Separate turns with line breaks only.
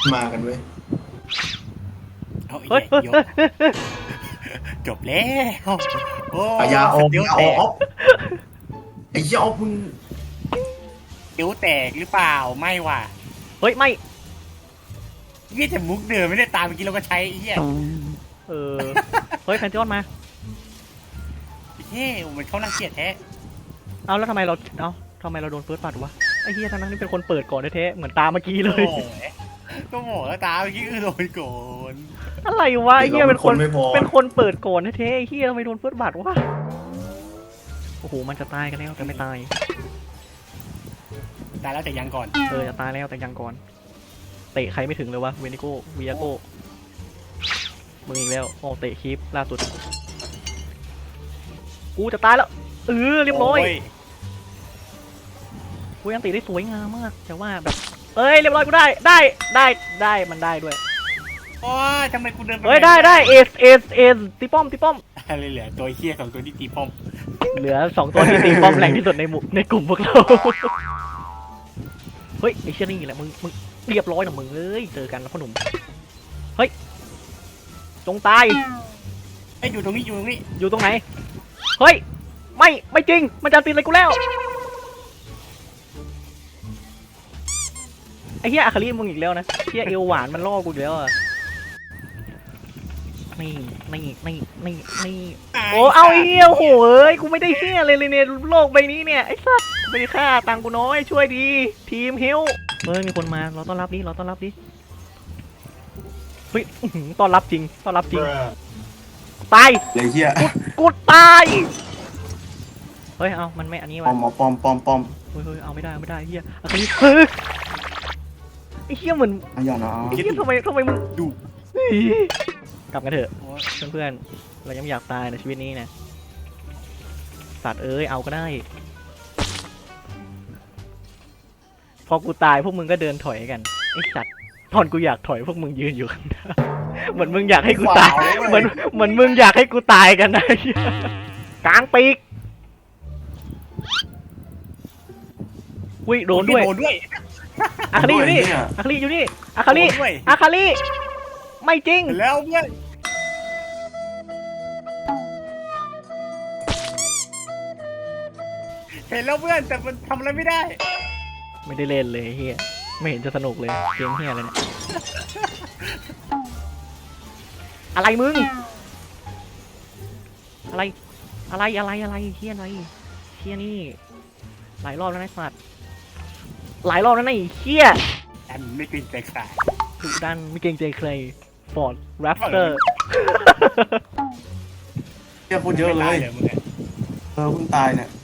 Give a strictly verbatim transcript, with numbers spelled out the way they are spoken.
มากันเว้ย
เอาอีก
เฮ้ย
แล้ว
เฮ้ย
ยกจบแล้วโอ้
อายาออฟ
เดี๋ยว
อยา
แต
ออก ฟไอ้เหี้ยออฟมึง
เดี๋ยวแตกหรือเปล่าไม่ว่ะ
เฮ้ยไม่
เยี่ยแต่มุกเดิมไม่ได้ตามเมื่อกี้เราก็ใช้ไอ้เหี้ย
เออเฮ้ยแฟนติออนมา
เฮ้ยมันเขาน่าเกลียดแท้
เอาแล้วทำไมเราเอาทำไมเราโดนเฟิร์สบัตรวะไอ้เฮียทั้งนั้นนี่เป็นคนเปิดก่อนแท้ๆเหมือนตามเมื่อกี้เลย
โอ้ยก็โหมแล้วตามเมื่อกี้คือโดนโกน
อะไรวะไอ้เฮียเป็นคน
ไม่พอ
เป็นคนเปิดก่อนแท้ๆไอ้เฮียทำไมโดนเฟิร์สบัตรวะโอ้โหมันจะตายกันแล้วแต่ไม่ตาย
ตายแล้วแต่ยังก่อน
เออจะตายแล้วแต่ยังก่อนเตะใครไม่ถึงเลยวะเวนิโก้วิยาโก้มึงอีกแล้วโอ้เตะคลิปล่าสุดกูจะตายแล้วเออเรียบร้อย
โ
กูยังตีได้สวยงามมากแต่ว่าแบบเอ้ยเรียบร้อยกูได้ได้ได้ได้มันได้ด้วย
โอ้ยทำไมกูเดินป
เฮ้ยได้ได้เอสเอสเอสตีป้อมตีป้อม
อะไรเหลือตัวเฮี้ยสองตัวที่ตีป้อม
เหลือสองตัวที่ตีป้อมแรงที่สุดในหมู่ในกลุ่มพวกเราเฮ้ยไอ้เชี่ยนี่แหละมึงมึงเรียบร้อยนะมึงเอ้ยเจอกันแล้วพ่อหนุ่มเฮ้ยจงตาย
ไอ้ยอยู่ตรงนี้อยู่ตรงนี้
อยู่ตรงไหนเฮ้ยไม่ไม่จริงมันจะตีอะไรกูแล้วไอ้เหี้ยอาคาริมึงอีกแล้วนะเหี้ยเอวหวานมันล่อกูอีกแล้วอ่ะนี่นี่นี่นี่นี่โอ้เอาไอ้เหี้ยโหเอ้ยกูไม่ได้เหี้ยเลยเลยในโลกใบนี้เนี่ยไอ้สัสไม่ได้ค่าตังกูน้อยช่วยดีทีมฮิวเฮ้ยมีคนมาเราต้อนรับดิเราต้อนรับดิเฮ้ยอื้อหือต้อนรับจริงต้อนรับจริงตาย
ไอ้เหี้ย
กูตายเฮ้ยเอามันไม่อันนี้
ปอ
วะ
มเอาปอมปอมปอม
เฮ้ยเฮ้ยเอาไม่ได้เอาไม่ได้เฮียอาคาริเฮ้ยไอ้เฮียเหมือน
อายานะ
ไอ้เฮียทำไมทำไมมึง
ดู
เฮ้ยกลับกันเถอะ
โอ้ย
เพื่อนๆเรายังไม่อยากตายในชีวิตนี้นะสัตว์เอ้ยเอาก็ได้ พอกูตายพวกมึงก็เดินถอยกันไอ้สัตว์ตอนกูอยากถอยพวกมึงยืนอยู่ข้างหน้าเหมือนมึงอยากให้กูตายเหมือนเหมือนมึงอยากให้กูตายกันนะเหี้ยกลางปีกอุ้ยโดนด้วย
โดนด้วย
อาคาริอยู่นี่อาคาริอยู่นี่อาคาริ
โดนด้วย
อาคาริไม่จริง
แล้วเพื่อนเห็นแล้วเพื่อนแต่มันทำอะไรไม่ได้
ไม่ได้เล่นเลยเฮียไม่เห็นจะสนุกเลยเกมเฮียอะไรเนี่ยอะไรมึงอะไรอะไรอะไรอะไรเฮียอะไรเฮียนี่หลายรอบแล้วนะสัตว์หลายรอบแล้วนะไอ้เฮีย
อันไม่กลิ่นใจขาด
ดุดันไม่เกรงใจใครฟอร์ดแรปเตอร์
เหี้ยพูดเยอะเลย
ไม่ตาหรมึงอะ
เออเพิ่งตายเนี่ย